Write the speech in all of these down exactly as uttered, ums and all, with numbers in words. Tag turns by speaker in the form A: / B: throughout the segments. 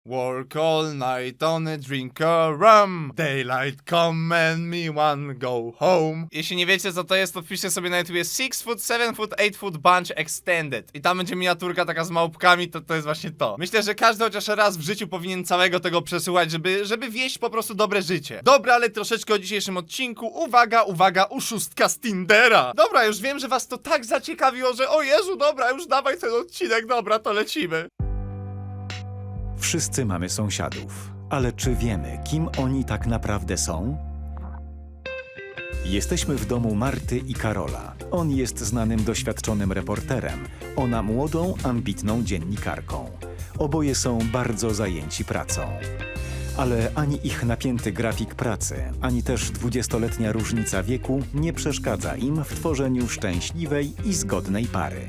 A: Work all night on a drink of rum. Daylight come and me one go home. Jeśli nie wiecie co to jest, to wpiszcie sobie na YouTube six foot, seven foot, eight foot bunch extended. I tam będzie miniaturka taka z małpkami, to to jest właśnie to. Myślę, że każdy chociaż raz w życiu powinien całego tego przesłuchać, żeby, żeby wieść po prostu dobre życie. Dobra, ale troszeczkę o dzisiejszym odcinku. Uwaga, uwaga, uszustka z Tindera. Dobra, już wiem, że was to tak zaciekawiło, że o Jezu, dobra, już dawaj ten odcinek, dobra, to lecimy.
B: Wszyscy mamy sąsiadów, ale czy wiemy, kim oni tak naprawdę są? Jesteśmy w domu Marty i Karola. On jest znanym, doświadczonym reporterem, ona młodą, ambitną dziennikarką. Oboje są bardzo zajęci pracą. Ale ani ich napięty grafik pracy, ani też dwudziestoletnia różnica wieku nie przeszkadza im w tworzeniu szczęśliwej i zgodnej pary.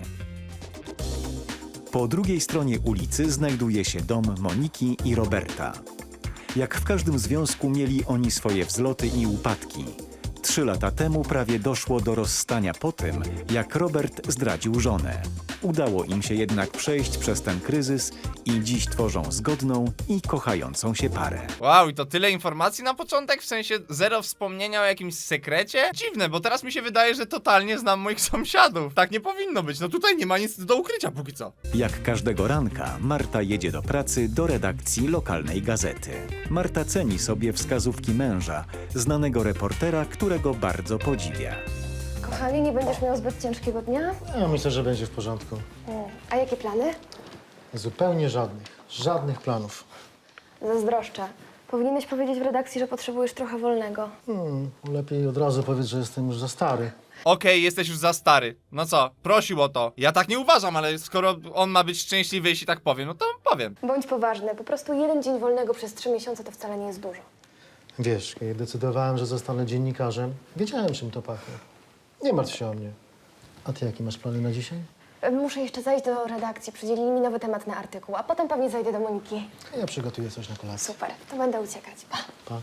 B: Po drugiej stronie ulicy znajduje się dom Moniki i Roberta. Jak w każdym związku mieli oni swoje wzloty i upadki. Trzy lata temu prawie doszło do rozstania po tym, jak Robert zdradził żonę. Udało im się jednak przejść przez ten kryzys i dziś tworzą zgodną i kochającą się parę.
A: Wow, i to tyle informacji na początek? W sensie zero wspomnienia o jakimś sekrecie? Dziwne, bo teraz mi się wydaje, że totalnie znam moich sąsiadów. Tak nie powinno być, no tutaj nie ma nic do ukrycia póki co.
B: Jak każdego ranka, Marta jedzie do pracy do redakcji lokalnej gazety. Marta ceni sobie wskazówki męża, znanego reportera, którego bardzo podziwia.
C: Kochanie, nie będziesz miał zbyt ciężkiego dnia?
D: Ja myślę, że będzie w porządku.
C: Mm. A jakie plany?
D: Zupełnie żadnych. Żadnych planów.
C: Zazdroszczę. Powinieneś powiedzieć w redakcji, że potrzebujesz trochę wolnego.
D: Hmm, lepiej od razu powiedz, że jestem już za stary.
A: Okej, jesteś już za stary. No co, prosił o to. Ja tak nie uważam, ale skoro on ma być szczęśliwy, jeśli tak powiem, no to powiem.
C: Bądź poważny. Po prostu jeden dzień wolnego przez trzy miesiące to wcale nie jest dużo.
D: Wiesz, kiedy decydowałem, że zostanę dziennikarzem, wiedziałem, czym to pachnie. Nie martw się o mnie. A ty jakie masz plany na dzisiaj?
C: Muszę jeszcze zajść do redakcji. Przydzielili mi nowy temat na artykuł, a potem pewnie zajdę do Moniki.
D: Ja przygotuję coś na kolację.
C: Super, to będę uciekać. Pa.
D: Pa.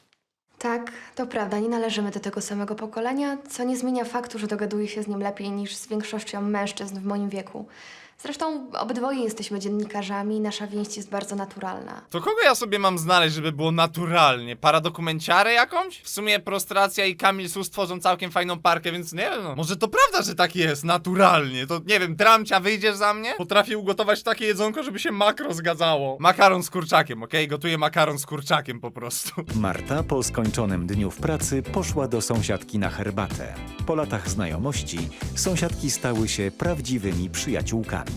C: Tak, to prawda, nie należymy do tego samego pokolenia, co nie zmienia faktu, że dogaduję się z nim lepiej niż z większością mężczyzn w moim wieku. Zresztą obydwoje jesteśmy dziennikarzami i nasza więź jest bardzo naturalna.
A: To kogo ja sobie mam znaleźć, żeby było naturalnie? Paradokumenciarę jakąś? W sumie Prostracja i Kamil Sus tworzą całkiem fajną parkę, więc nie wiem, no. Może to prawda, że tak jest, naturalnie. To nie wiem, Tramcia, wyjdziesz za mnie? Potrafię ugotować takie jedzonko, żeby się makro zgadzało. Makaron z kurczakiem, okej? Okay? Gotuję makaron z kurczakiem po prostu.
B: Marta po skończonym dniu w pracy poszła do sąsiadki na herbatę. Po latach znajomości sąsiadki stały się prawdziwymi przyjaciółkami.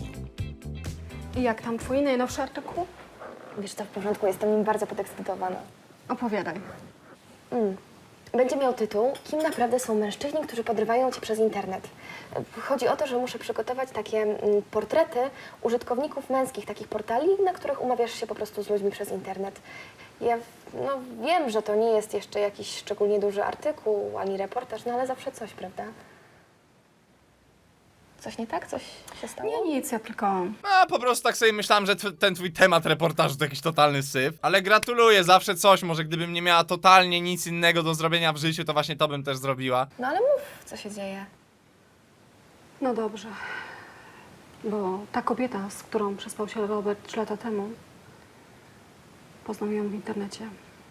E: I jak tam twój najnowszy artykuł?
C: Wiesz co, w porządku, jestem nim bardzo podekscytowana.
E: Opowiadaj.
C: Mm. Będzie miał tytuł Kim naprawdę są mężczyźni, którzy podrywają cię przez internet. Chodzi o to, że muszę przygotować takie mm, portrety użytkowników męskich takich portali, na których umawiasz się po prostu z ludźmi przez internet. Ja no, wiem, że to nie jest jeszcze jakiś szczególnie duży artykuł ani reportaż, no ale zawsze coś, prawda? Coś nie tak? Coś się stało?
E: Nie, nic, ja tylko...
A: A po prostu tak sobie myślałam, że tw- ten twój temat reportażu to jakiś totalny syf. Ale gratuluję, zawsze coś. Może gdybym nie miała totalnie nic innego do zrobienia w życiu, to właśnie to bym też zrobiła.
C: No ale mów, co się dzieje.
E: No dobrze. Bo ta kobieta, z którą przespał się Robert trzy lata temu, poznał ją w internecie.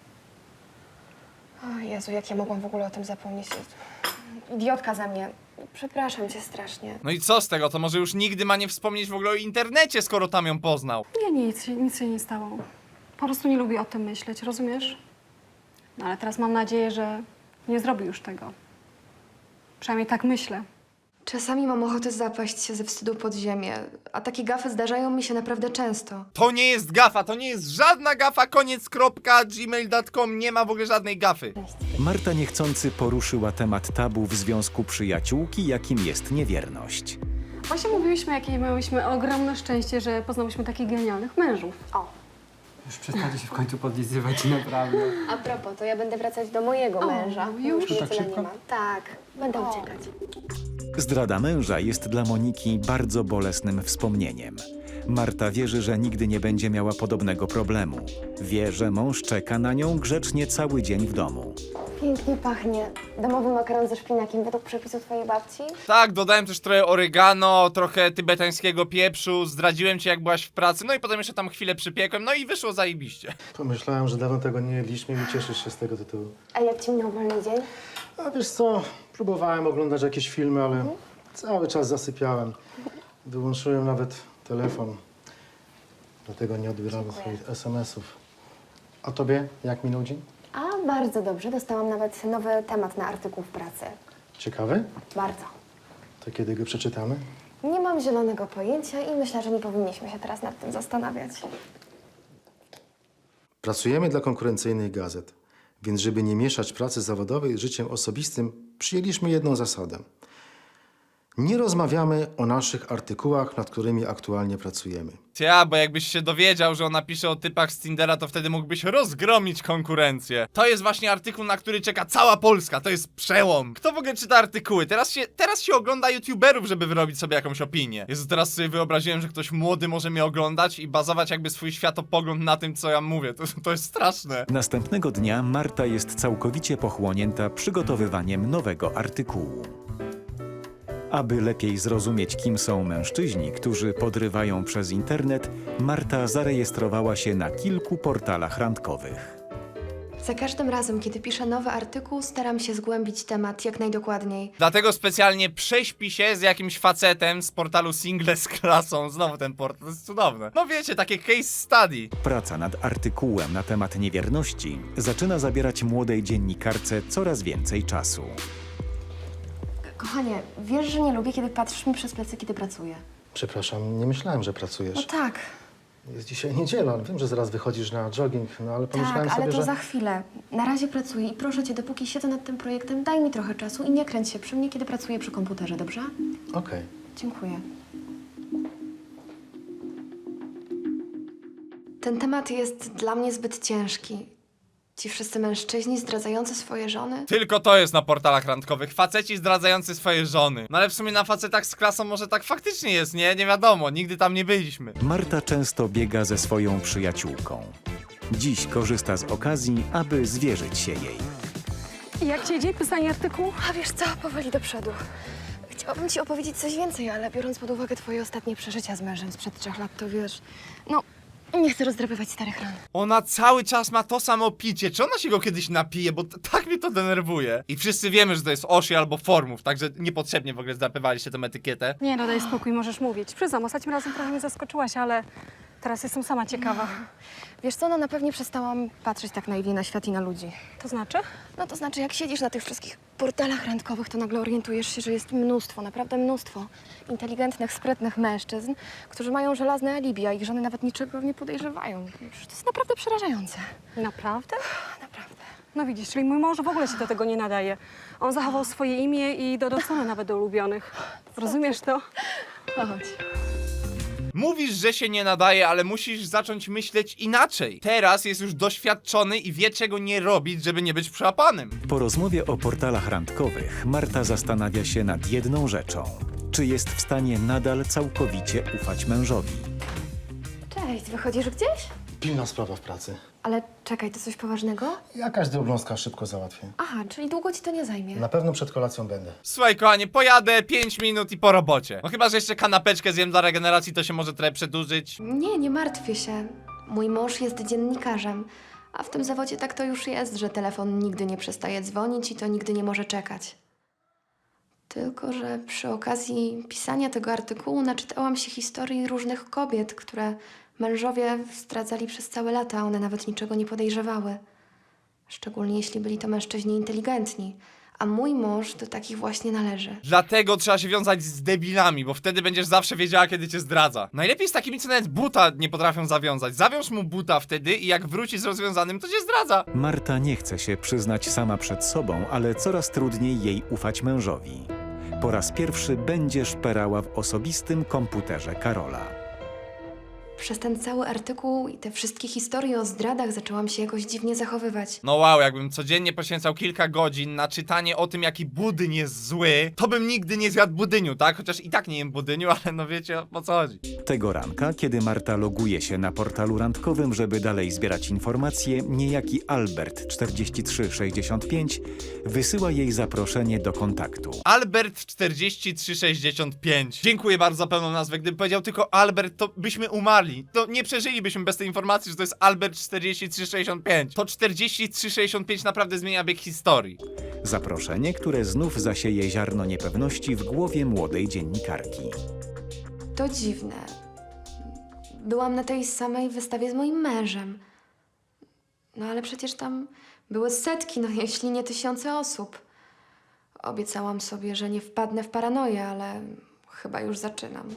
C: O Jezu, jak ja mogłam w ogóle o tym zapomnieć. Idiotka ze mnie. Przepraszam cię strasznie.
A: No i co z tego? To może już nigdy ma nie wspomnieć w ogóle o internecie, skoro tam ją poznał.
E: Nie, nic, się- nic się nie stało. Po prostu nie lubię o tym myśleć, rozumiesz? No ale teraz mam nadzieję, że nie zrobi już tego. Przynajmniej tak myślę.
C: Czasami mam ochotę zapaść się ze wstydu pod ziemię, a takie gafy zdarzają mi się naprawdę często.
A: To nie jest gafa, to nie jest żadna gafa, koniec, kropka, gmail kropka com, nie ma w ogóle żadnej gafy.
B: Marta niechcący poruszyła temat tabu w związku przyjaciółki, jakim jest niewierność.
E: Właśnie mówiłyśmy, jakie miałyśmy ogromne szczęście, że poznałyśmy takich genialnych mężów.
C: O,
F: Już przestańcie się w końcu podlizywać, naprawdę.
C: a propos, to ja będę wracać do mojego
E: O,
C: męża.
E: już?
C: Już mnie
F: Tak
C: tyle
F: szybko?
C: nie ma. Tak, będę uciekać.
B: Zdrada męża jest dla Moniki bardzo bolesnym wspomnieniem. Marta wierzy, że nigdy nie będzie miała podobnego problemu. Wie, że mąż czeka na nią grzecznie cały dzień w domu.
C: Pięknie pachnie. Domowy makaron ze szpinakiem według przepisu twojej babci.
A: Tak, dodałem też trochę oregano, trochę tybetańskiego pieprzu, zdradziłem ci jak byłaś w pracy, no i potem jeszcze tam chwilę przypiekłem, no i wyszło zajebiście.
D: Pomyślałem, że dawno tego nie jedliśmy i cieszysz się z tego tytułu.
C: A jak ci minął wolny dzień?
D: A wiesz co, próbowałem oglądać jakieś filmy, ale cały czas zasypiałem. Wyłączyłem nawet telefon. Dlatego nie odbierałem
C: Dziękuję.
D: swoich es em esów. A tobie jak minął dzień?
C: A, bardzo dobrze. Dostałam nawet nowy temat na artykuł w pracy.
D: Ciekawy?
C: Bardzo.
D: To kiedy go przeczytamy?
C: Nie mam zielonego pojęcia i myślę, że nie powinniśmy się teraz nad tym zastanawiać.
D: Pracujemy dla konkurencyjnych gazet, więc żeby nie mieszać pracy zawodowej z życiem osobistym, przyjęliśmy jedną zasadę. Nie rozmawiamy o naszych artykułach, nad którymi aktualnie pracujemy.
A: Ja, bo jakbyś się dowiedział, że ona pisze o typach z Tindera, to wtedy mógłbyś rozgromić konkurencję. To jest właśnie artykuł, na który czeka cała Polska, to jest przełom. Kto w ogóle czyta artykuły? Teraz się, teraz się ogląda youtuberów, żeby wyrobić sobie jakąś opinię. Jezu, teraz sobie wyobraziłem, że ktoś młody może mnie oglądać i bazować jakby swój światopogląd na tym, co ja mówię. To, to jest straszne.
B: Następnego dnia Marta jest całkowicie pochłonięta przygotowywaniem nowego artykułu. Aby lepiej zrozumieć, kim są mężczyźni, którzy podrywają przez internet, Marta zarejestrowała się na kilku portalach randkowych.
C: Za każdym razem, kiedy piszę nowy artykuł, staram się zgłębić temat jak najdokładniej.
A: Dlatego specjalnie prześpi się z jakimś facetem z portalu Single z klasą. Znowu ten portal, to jest cudowne. No wiecie, takie case study.
B: Praca nad artykułem na temat niewierności zaczyna zabierać młodej dziennikarce coraz więcej czasu.
C: Kochanie, wiesz, że nie lubię, kiedy patrzysz mi przez plecy, kiedy pracuję.
D: Przepraszam, nie myślałem, że pracujesz.
C: No tak,
D: Jest dzisiaj niedziela, wiem, że zaraz wychodzisz na jogging, no ale pomyślałem
C: tak, ale
D: sobie,
C: to
D: że...
C: za chwilę. Na razie pracuję i proszę cię, dopóki siedzę nad tym projektem, daj mi trochę czasu i nie kręć się przy mnie, kiedy pracuję przy komputerze, dobrze?
D: Okej.
C: Dziękuję. Ten temat jest dla mnie zbyt ciężki. Ci wszyscy mężczyźni zdradzający swoje żony.
A: Tylko to jest na portalach randkowych. Faceci zdradzający swoje żony. No ale w sumie na facetach z klasą może tak faktycznie jest, nie? Nie wiadomo, nigdy tam nie byliśmy.
B: Marta często biega ze swoją przyjaciółką. Dziś korzysta z okazji, aby zwierzyć się jej.
E: I jak ci idzie pisanie artykułu?
C: A wiesz co, powoli do przodu. Chciałabym ci opowiedzieć coś więcej, ale biorąc pod uwagę twoje ostatnie przeżycia z mężem sprzed trzech lat, to wiesz... No, nie chcę rozdrapywać starych ran.
A: Ona cały czas ma to samo picie. Czy ona się go kiedyś napije? Bo t- tak mnie to denerwuje. I wszyscy wiemy, że to jest Oshi albo Formów, także niepotrzebnie w ogóle zdrapywaliście tę etykietę.
E: Nie, no daj spokój, możesz mówić. Przyznam, ostatnim razem trochę mnie zaskoczyłaś, ale teraz jestem sama ciekawa.
C: Wiesz co, no na pewno przestałam patrzeć tak naiwnie na świat i na ludzi.
E: To znaczy?
C: No to znaczy, jak siedzisz na tych wszystkich portalach randkowych, to nagle orientujesz się, że jest mnóstwo, naprawdę mnóstwo inteligentnych, sprytnych mężczyzn, którzy mają żelazne alibi, a ich żony nawet niczego nie podejrzewają. Przecież to jest naprawdę przerażające.
E: Naprawdę?
C: Naprawdę.
E: No widzisz, czyli mój mąż w ogóle się do tego nie nadaje. On zachował swoje imię i dodał same nawet do ulubionych. Rozumiesz to?
C: Chodź.
A: Mówisz, że się nie nadaje, ale musisz zacząć myśleć inaczej. Teraz jest już doświadczony i wie, czego nie robić, żeby nie być przełapanym.
B: Po rozmowie o portalach randkowych Marta zastanawia się nad jedną rzeczą. Czy jest w stanie nadal całkowicie ufać mężowi?
C: Cześć, wychodzisz gdzieś?
D: Pilna sprawa w pracy.
C: Ale czekaj, to coś poważnego?
D: Jakaś drobnostka, szybko załatwię.
C: Aha, czyli długo ci to nie zajmie.
D: Na pewno przed kolacją będę.
A: Słuchaj, kochanie, pojadę pięć minut i po robocie. No chyba, że jeszcze kanapeczkę zjem dla regeneracji, to się może trochę przedłużyć.
C: Nie, nie martwię się. Mój mąż jest dziennikarzem, a w tym zawodzie tak to już jest, że telefon nigdy nie przestaje dzwonić i to nigdy nie może czekać. Tylko że przy okazji pisania tego artykułu naczytałam się historii różnych kobiet, które mężowie zdradzali przez całe lata, a one nawet niczego nie podejrzewały. Szczególnie jeśli byli to mężczyźni inteligentni, a mój mąż do takich właśnie należy.
A: Dlatego trzeba się wiązać z debilami, bo wtedy będziesz zawsze wiedziała, kiedy cię zdradza. Najlepiej z takimi, co nawet buta nie potrafią zawiązać. Zawiąż mu buta wtedy i jak wróci z rozwiązanym, to cię zdradza.
B: Marta nie chce się przyznać sama przed sobą, ale coraz trudniej jej ufać mężowi. Po raz pierwszy będzie szperała w osobistym komputerze Karola.
C: Przez ten cały artykuł i te wszystkie historie o zdradach zaczęłam się jakoś dziwnie zachowywać.
A: No wow, jakbym codziennie poświęcał kilka godzin na czytanie o tym, jaki budyń jest zły, to bym nigdy nie zjadł budyniu, tak? Chociaż i tak nie jem budyniu, ale no wiecie, o co chodzi.
B: Tego ranka, kiedy Marta loguje się na portalu randkowym, żeby dalej zbierać informacje, niejaki Albert czterdzieści trzy sześćdziesiąt pięć wysyła jej zaproszenie do kontaktu.
A: Albert czterdzieści trzy sześćdziesiąt pięć. Dziękuję bardzo za pełną nazwę. Gdybym powiedział tylko Albert, to byśmy umarli. To nie przeżylibyśmy bez tej informacji, że to jest Albert czterdzieści trzy sześćdziesiąt pięć. To czterdzieści trzy sześćdziesiąt pięć naprawdę zmienia bieg historii.
B: Zaproszenie, które znów zasieje ziarno niepewności w głowie młodej dziennikarki.
C: To dziwne. Byłam na tej samej wystawie z moim mężem. No ale przecież tam były setki, no jeśli nie tysiące osób. Obiecałam sobie, że nie wpadnę w paranoję, ale chyba już zaczynam.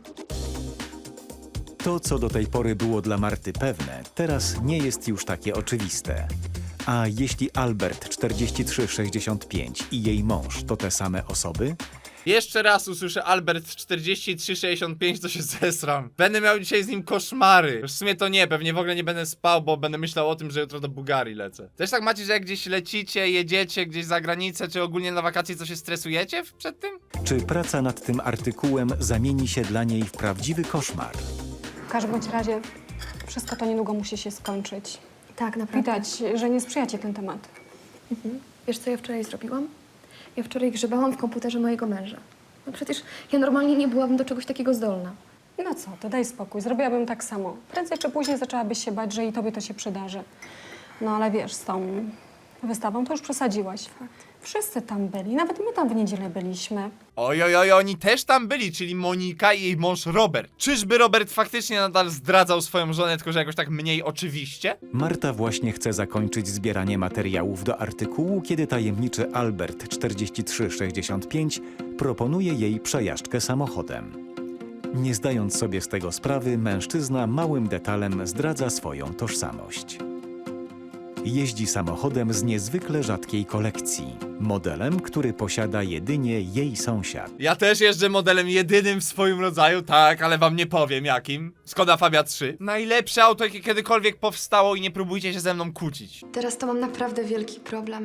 B: To, co do tej pory było dla Marty pewne, teraz nie jest już takie oczywiste. A jeśli Albert czterdzieści trzy sześćdziesiąt pięć i jej mąż to te same osoby?
A: Jeszcze raz usłyszę Albert czterdzieści trzy sześćdziesiąt pięć, to się zesram. Będę miał dzisiaj z nim koszmary. Już w sumie to nie, pewnie w ogóle nie będę spał, bo będę myślał o tym, że jutro do Bułgarii lecę. Też tak macie, że jak gdzieś lecicie, jedziecie gdzieś za granicę, czy ogólnie na wakacje, to się stresujecie w- przed tym?
B: Czy praca nad tym artykułem zamieni się dla niej w prawdziwy koszmar?
E: W każdym bądź razie wszystko to niedługo musi się skończyć.
C: Tak, naprawdę.
E: Widać, że nie sprzyja ci ten temat.
C: Wiesz, co ja wczoraj zrobiłam? Ja wczoraj grzebałam w komputerze mojego męża. No przecież ja normalnie nie byłabym do czegoś takiego zdolna.
E: No co, to daj spokój, zrobiłabym tak samo. Prędzej czy później zaczęłabyś się bać, że i tobie to się przydarzy. No ale wiesz, z tą wystawą to już przesadziłaś. Wszyscy tam byli, nawet my tam w niedzielę byliśmy.
A: Oj, oj, oj, oni też tam byli, czyli Monika i jej mąż Robert. Czyżby Robert faktycznie nadal zdradzał swoją żonę, tylko że jakoś tak mniej oczywiście?
B: Marta właśnie chce zakończyć zbieranie materiałów do artykułu, kiedy tajemniczy Albert czterdzieści trzy sześćdziesiąt pięć proponuje jej przejażdżkę samochodem. Nie zdając sobie z tego sprawy, mężczyzna małym detalem zdradza swoją tożsamość. Jeździ samochodem z niezwykle rzadkiej kolekcji. Modelem, który posiada jedynie jej sąsiad.
A: Ja też jeżdżę modelem jedynym w swoim rodzaju, tak, ale wam nie powiem jakim. Skoda Fabia trzy. Najlepsze auto, jakie kiedykolwiek powstało i nie próbujcie się ze mną kłócić.
C: Teraz to mam naprawdę wielki problem.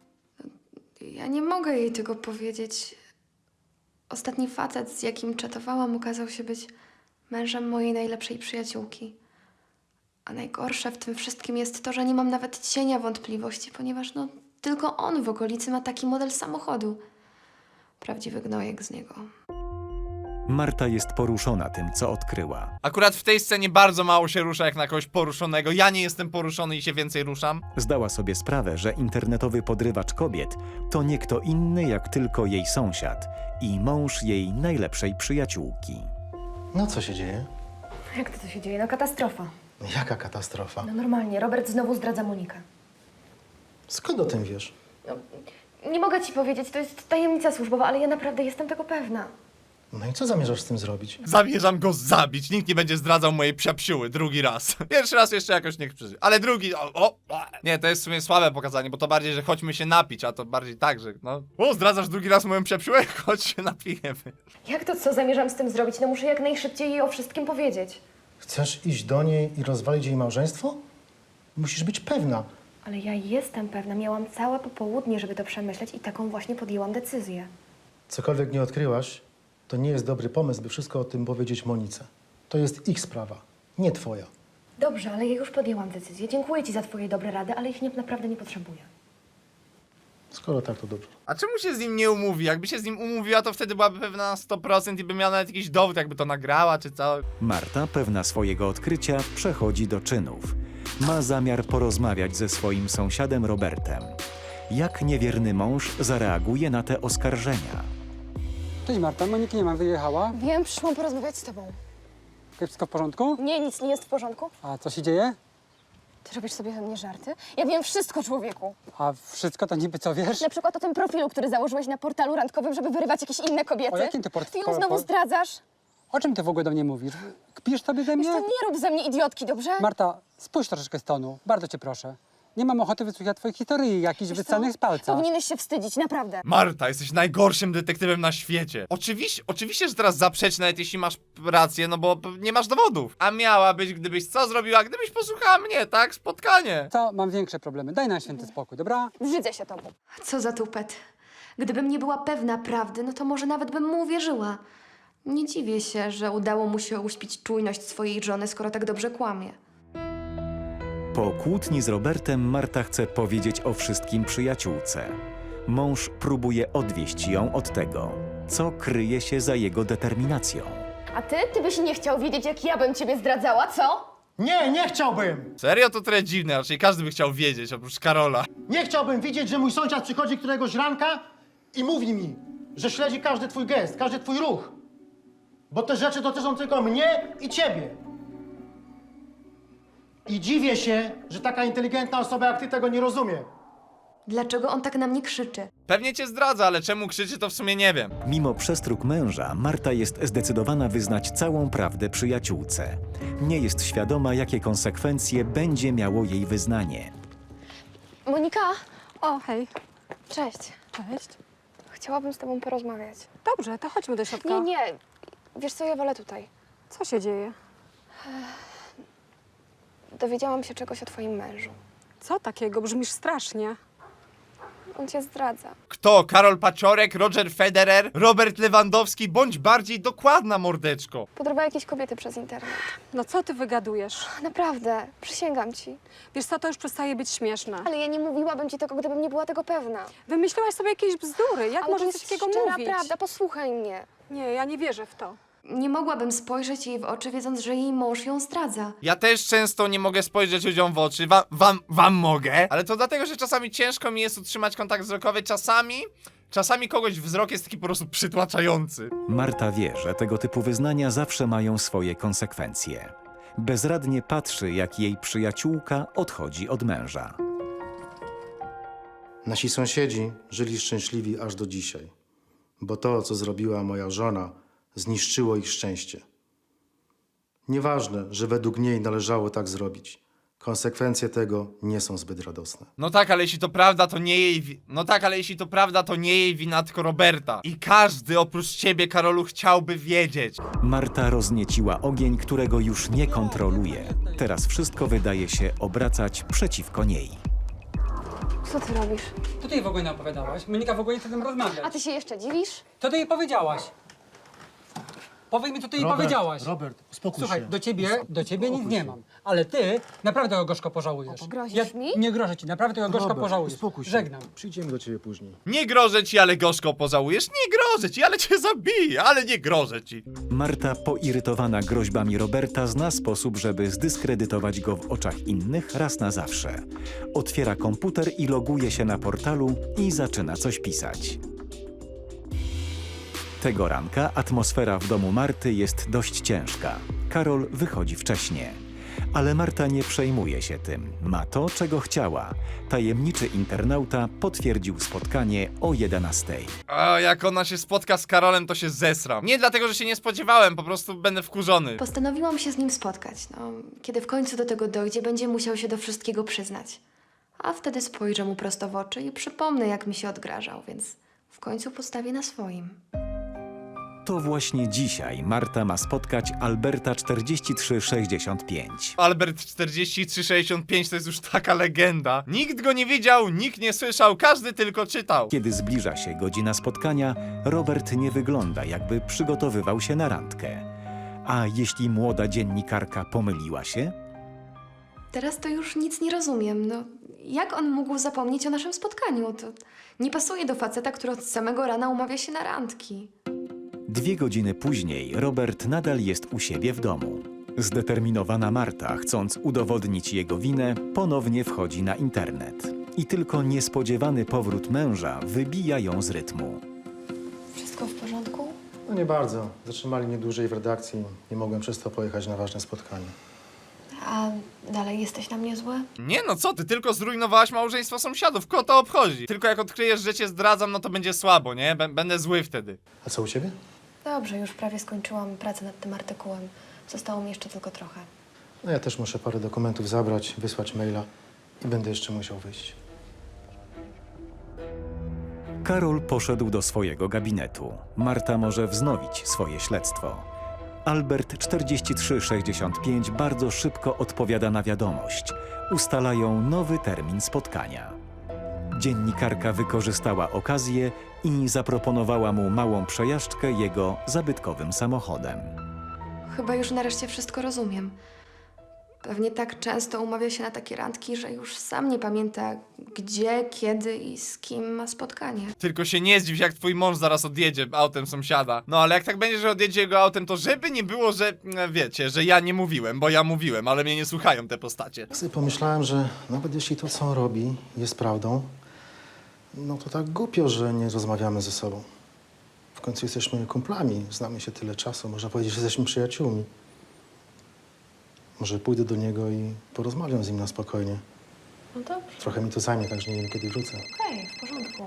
C: Ja nie mogę jej tego powiedzieć. Ostatni facet, z jakim czatowałam, okazał się być mężem mojej najlepszej przyjaciółki. A najgorsze w tym wszystkim jest to, że nie mam nawet cienia wątpliwości, ponieważ no tylko on w okolicy ma taki model samochodu. Prawdziwy gnojek z niego.
B: Marta jest poruszona tym, co odkryła.
A: Akurat w tej scenie bardzo mało się rusza jak na kogoś poruszonego. Ja nie jestem poruszony i się więcej ruszam.
B: Zdała sobie sprawę, że internetowy podrywacz kobiet to nie kto inny jak tylko jej sąsiad i mąż jej najlepszej przyjaciółki.
D: No co się dzieje?
C: Jak to, to się dzieje? No katastrofa.
D: Jaka katastrofa?
C: No normalnie, Robert znowu zdradza Monikę.
D: Skąd o tym wiesz?
C: No, nie mogę ci powiedzieć, to jest tajemnica służbowa, ale ja naprawdę jestem tego pewna.
D: No i co zamierzasz z tym zrobić?
A: Zamierzam go zabić. Nikt nie będzie zdradzał mojej psiapsiuły drugi raz. Pierwszy raz jeszcze jakoś niech przeżyje. Ale drugi... O, o, o. Nie, to jest w sumie słabe pokazanie, bo to bardziej, że chodźmy się napić, a to bardziej tak, że no... O, zdradzasz drugi raz moją psiapsiułę? Chodź się napijemy.
C: Jak to, co zamierzam z tym zrobić? No muszę jak najszybciej jej o wszystkim powiedzieć.
D: Chcesz iść do niej i rozwalić jej małżeństwo? Musisz być pewna.
C: Ale ja jestem pewna, miałam całe popołudnie, żeby to przemyśleć i taką właśnie podjęłam decyzję.
D: Cokolwiek nie odkryłaś, to nie jest dobry pomysł, by wszystko o tym powiedzieć Monice. To jest ich sprawa, nie twoja.
C: Dobrze, ale ja już podjęłam decyzję. Dziękuję ci za twoje dobre rady, ale ich nie, naprawdę nie potrzebuję.
D: Skoro tak, to dobrze.
A: A czemu się z nim nie umówi? Jakby się z nim umówiła, to wtedy byłaby pewna na sto procent i by miała nawet jakiś dowód, jakby to nagrała, czy co.
B: Marta, pewna swojego odkrycia, przechodzi do czynów. Ma zamiar porozmawiać ze swoim sąsiadem Robertem. Jak niewierny mąż zareaguje na te oskarżenia?
F: Cześć Marta, Moniki nie ma, wyjechała.
G: Wiem, przyszłam porozmawiać z tobą.
F: Wszystko w porządku?
G: Nie, nic nie jest w porządku.
F: A co się dzieje?
G: Ty robisz sobie ze mnie żarty? Ja wiem wszystko, człowieku.
F: A wszystko to niby co wiesz?
G: Na przykład o tym profilu, który założyłeś na portalu randkowym, żeby wyrywać jakieś inne kobiety.
F: O jakim ty port-
G: Ty ją
F: po-
G: znowu
F: po-
G: zdradzasz?
F: O czym ty w ogóle do mnie mówisz? Kpisz sobie ze
G: Wiesz
F: mnie?
G: co, nie rób ze mnie idiotki, dobrze?
F: Marta, spójrz troszeczkę z tonu, bardzo cię proszę. Nie mam ochoty wysłuchać twoich historii, jakichś wycanych z palca.
G: Powinieneś się wstydzić, naprawdę.
A: Marta, jesteś najgorszym detektywem na świecie. Oczywiście, oczywiście, że teraz zaprzecz, nawet jeśli masz rację, no bo p- nie masz dowodów. A miała być, gdybyś co zrobiła, gdybyś posłuchała mnie, tak? Spotkanie.
F: Co? Mam większe problemy. Daj nam święty spokój, dobra?
G: Brzydzę się tobą.
C: Co za tupet. Gdybym nie była pewna prawdy, no to może nawet bym mu uwierzyła. Nie dziwię się, że udało mu się uśpić czujność swojej żony, skoro tak dobrze kłamie.
B: Po kłótni z Robertem Marta chce powiedzieć o wszystkim przyjaciółce. Mąż próbuje odwieść ją od tego, co kryje się za jego determinacją.
G: A ty? Ty byś nie chciał wiedzieć, jak ja bym ciebie zdradzała, co?
H: Nie, nie chciałbym!
A: Serio? To trochę dziwne, raczej każdy by chciał wiedzieć, oprócz Karola.
H: Nie chciałbym widzieć, że mój sąsiad przychodzi któregoś ranka i mówi mi, że śledzi każdy twój gest, każdy twój ruch. Bo te rzeczy dotyczą tylko mnie i ciebie. I dziwię się, że taka inteligentna osoba jak ty tego nie rozumie.
C: Dlaczego on tak na mnie krzyczy?
A: Pewnie cię zdradza, ale czemu krzyczy, to w sumie nie wiem.
B: Mimo przestróg męża, Marta jest zdecydowana wyznać całą prawdę przyjaciółce. Nie jest świadoma, jakie konsekwencje będzie miało jej wyznanie.
C: Monika!
E: O, hej.
C: Cześć.
E: Cześć.
C: Chciałabym z tobą porozmawiać.
E: Dobrze, to chodźmy do środka.
C: Nie, nie. Wiesz co, ja wolę tutaj.
E: Co się dzieje?
C: Dowiedziałam się czegoś o twoim mężu.
E: Co takiego? Brzmisz strasznie.
C: On cię zdradza.
A: Kto? Karol Paciorek, Roger Federer, Robert Lewandowski, bądź bardziej dokładna, mordeczko.
C: Podrywa jakieś kobiety przez internet.
E: No co ty wygadujesz?
C: Naprawdę, przysięgam ci.
E: Wiesz co, to już przestaje być śmieszne.
C: Ale ja nie mówiłabym ci tego, gdybym nie była tego pewna.
E: Wymyśliłaś sobie jakieś bzdury. Jak
C: Ale to
E: możesz
C: jest
E: coś takiego
C: szczera
E: mówić?
C: prawda, posłuchaj mnie.
E: Nie, ja nie wierzę w to.
C: Nie mogłabym spojrzeć jej w oczy, wiedząc, że jej mąż ją zdradza.
A: Ja też często nie mogę spojrzeć ludziom w oczy. Wam, wam, wam mogę. Ale to dlatego, że czasami ciężko mi jest utrzymać kontakt wzrokowy. Czasami, czasami kogoś wzrok jest taki po prostu przytłaczający.
B: Marta wie, że tego typu wyznania zawsze mają swoje konsekwencje. Bezradnie patrzy, jak jej przyjaciółka odchodzi od męża.
D: Nasi sąsiedzi żyli szczęśliwi aż do dzisiaj, bo to, co zrobiła moja żona, zniszczyło ich szczęście. Nieważne, że według niej należało tak zrobić. Konsekwencje tego nie są zbyt radosne.
A: No tak, ale jeśli to prawda, to nie jej wi- No tak, ale jeśli to prawda, to nie jej wina, tylko Roberta. I każdy oprócz ciebie, Karolu, chciałby wiedzieć.
B: Marta roznieciła ogień, którego już nie kontroluje. Teraz wszystko wydaje się obracać przeciwko niej.
C: Co ty robisz?
F: To ty jej w ogóle nie opowiadałaś. Monika w ogóle nie chce z tym rozmawiać.
G: A ty się jeszcze dziwisz?
F: Co ty jej powiedziałaś? Powiedz mi, co ty jej
H: Robert,
F: powiedziałaś.
H: Robert, uspokój
F: Słuchaj,
H: się.
F: do ciebie, do ciebie nic nie mam. Ale ty naprawdę go gorzko pożałujesz.
G: Grozisz mi?
F: Nie grożę ci, naprawdę go gorzko
D: Robert,
F: pożałujesz.
D: uspokój się.
F: Żegnam.
D: Przyjdziemy do ciebie później.
A: Nie grożę ci, ale gorzko pożałujesz. Nie grożę ci, ale cię zabiję, ale nie grożę ci.
B: Marta, poirytowana groźbami Roberta, zna sposób, żeby zdyskredytować go w oczach innych raz na zawsze. Otwiera komputer i loguje się na portalu i zaczyna coś pisać. Tego ranka atmosfera w domu Marty jest dość ciężka. Karol wychodzi wcześnie. Ale Marta nie przejmuje się tym. Ma to, czego chciała. Tajemniczy internauta potwierdził spotkanie o jedenastej.
A: A jak ona się spotka z Karolem, to się zesram. Nie dlatego, że się nie spodziewałem, po prostu będę wkurzony.
C: Postanowiłam się z nim spotkać. No, kiedy w końcu do tego dojdzie, będzie musiał się do wszystkiego przyznać. A wtedy spojrzę mu prosto w oczy i przypomnę, jak mi się odgrażał, więc w końcu postawię na swoim.
B: To właśnie dzisiaj Marta ma spotkać Alberta czterdzieści trzy sześćdziesiąt pięć.
A: Albert czterdzieści trzy sześćdziesiąt pięć to jest już taka legenda. Nikt go nie widział, nikt nie słyszał, każdy tylko czytał.
B: Kiedy zbliża się godzina spotkania, Robert nie wygląda, jakby przygotowywał się na randkę. A jeśli młoda dziennikarka pomyliła się?
C: Teraz to już nic nie rozumiem. No, jak on mógł zapomnieć o naszym spotkaniu? To nie pasuje do faceta, który od samego rana umawia się na randki.
B: Dwie godziny później Robert nadal jest u siebie w domu. Zdeterminowana Marta, chcąc udowodnić jego winę, ponownie wchodzi na internet. I tylko niespodziewany powrót męża wybija ją z rytmu.
C: Wszystko w porządku?
D: No nie bardzo. Zatrzymali mnie dłużej w redakcji. Nie mogłem przez to pojechać na ważne spotkanie.
C: A dalej jesteś na mnie zły?
A: Nie no co ty, tylko zrujnowałaś małżeństwo sąsiadów, kogo to obchodzi? Tylko jak odkryjesz, że cię zdradzam, no to będzie słabo, nie? Bę- będę zły wtedy.
D: A co u ciebie?
C: Dobrze, już prawie skończyłam pracę nad tym artykułem. Zostało mi jeszcze tylko trochę.
D: No ja też muszę parę dokumentów zabrać, wysłać maila. i będę jeszcze musiał wyjść.
B: Karol poszedł do swojego gabinetu. Marta może wznowić swoje śledztwo. Albert czterdzieści trzy sześćdziesiąt pięć bardzo szybko odpowiada na wiadomość. Ustalają nowy termin spotkania. Dziennikarka wykorzystała okazję i zaproponowała mu małą przejażdżkę jego zabytkowym samochodem.
C: Chyba już nareszcie wszystko rozumiem. Pewnie tak często umawia się na takie randki, że już sam nie pamięta, gdzie, kiedy i z kim ma spotkanie.
A: Tylko się nie zdziw, jak twój mąż zaraz odjedzie autem sąsiada. No ale jak tak będzie, że odjedzie jego autem, to żeby nie było, że e, wiecie, że ja nie mówiłem, bo ja mówiłem, ale mnie nie słuchają te postacie.
D: Tak sobie pomyślałem, że nawet jeśli to, co on robi, jest prawdą, no to tak głupio, że nie rozmawiamy ze sobą. W końcu jesteśmy kumplami, znamy się tyle czasu, można powiedzieć, że jesteśmy przyjaciółmi. Może pójdę do niego i porozmawiam z nim na spokojnie.
C: No dobrze.
D: Trochę mi to zajmie, także nie wiem, kiedy wrócę.
C: Okej, w porządku.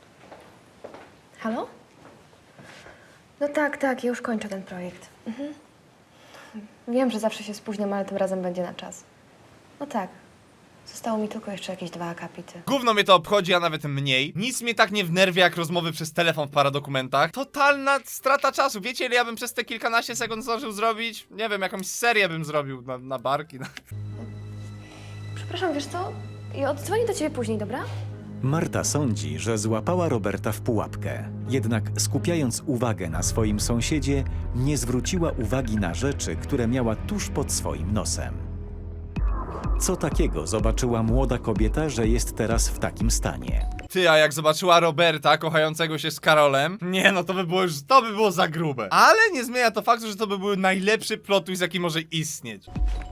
C: Halo? No tak, tak, ja już kończę ten projekt. Mhm. Wiem, że zawsze się spóźniam, ale tym razem będzie na czas. No tak. Zostało mi tylko jeszcze jakieś dwa akapity.
A: Gówno mnie to obchodzi, a nawet mniej. Nic mnie tak nie wnerwia jak rozmowy przez telefon w paradokumentach. Totalna strata czasu. Wiecie, ile ja bym przez te kilkanaście sekund zdążył zrobić? Nie wiem, jakąś serię bym zrobił na, na barki.
C: Przepraszam, wiesz co? Ja oddzwonię do ciebie później, dobra?
B: Marta sądzi, że złapała Roberta w pułapkę. Jednak skupiając uwagę na swoim sąsiedzie, nie zwróciła uwagi na rzeczy, które miała tuż pod swoim nosem. Co takiego zobaczyła młoda kobieta, że jest teraz w takim stanie?
A: Ty, a jak zobaczyła Roberta kochającego się z Karolem, nie no, to by było już, to by było za grube. Ale nie zmienia to faktu, że to by był najlepszy plot twist, jaki może istnieć.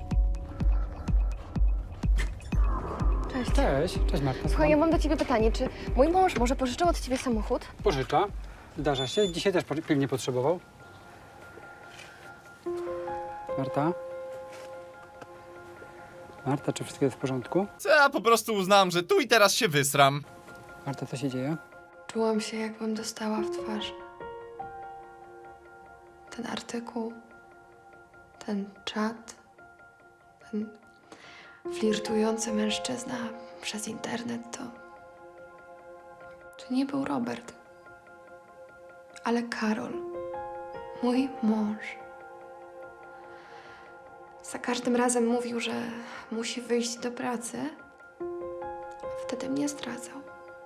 C: Cześć.
F: Cześć, cześć Marta.
C: Słuchaj, ja mam do ciebie pytanie. Czy mój mąż może pożyczył od ciebie samochód?
F: Pożycza, zdarza się. Dzisiaj też po- pilnie potrzebował. Marta? Marta, czy wszystko jest w porządku?
A: Co ja po prostu uznałam, że tu i teraz się wysram.
F: Marta, co się dzieje?
C: Czułam się, jakbym dostała w twarz. Ten artykuł, ten czat, ten flirtujący mężczyzna przez internet to... To nie był Robert, ale Karol, mój mąż. Za każdym razem mówił, że musi wyjść do pracy, a wtedy mnie zdradzał.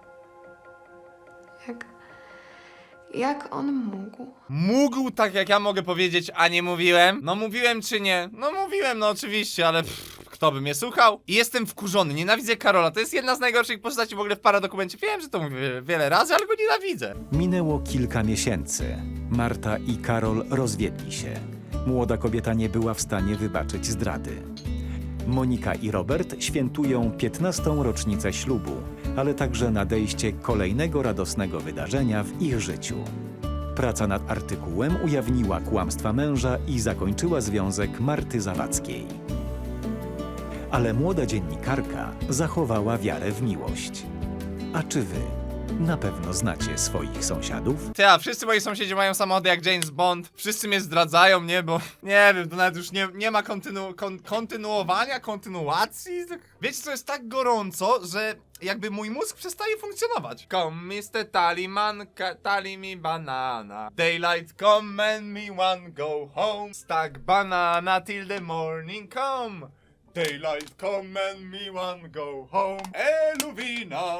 C: Jak... Jak on mógł?
A: Mógł, tak jak ja mogę powiedzieć, a nie mówiłem? No mówiłem czy nie? No mówiłem, no oczywiście, ale pff, kto by mnie słuchał? I jestem wkurzony, nienawidzę Karola, to jest jedna z najgorszych postaci w ogóle w paradokumencie. Wiem, że to mówię wiele razy, ale go nienawidzę.
B: Minęło kilka miesięcy. Marta i Karol rozwiedli się. Młoda kobieta nie była w stanie wybaczyć zdrady. Monika i Robert świętują piętnastą rocznicę ślubu, ale także nadejście kolejnego radosnego wydarzenia w ich życiu. Praca nad artykułem ujawniła kłamstwa męża i zakończyła związek Marty Zawadzkiej. Ale młoda dziennikarka zachowała wiarę w miłość. A czy wy na pewno znacie swoich sąsiadów?
A: Ty, a wszyscy moi sąsiedzi mają samochody jak James Bond. Wszyscy mnie zdradzają, nie? Bo nie wiem, to nawet już nie, nie ma kontynu, kon, kontynuowania, kontynuacji. Wiecie, co jest tak gorąco, że jakby mój mózg przestaje funkcjonować. Come, mister Tallyman, ka- tally me banana. Daylight come and me one go home. Stack banana till the morning come. Daylight come and me one go home. Eluvina.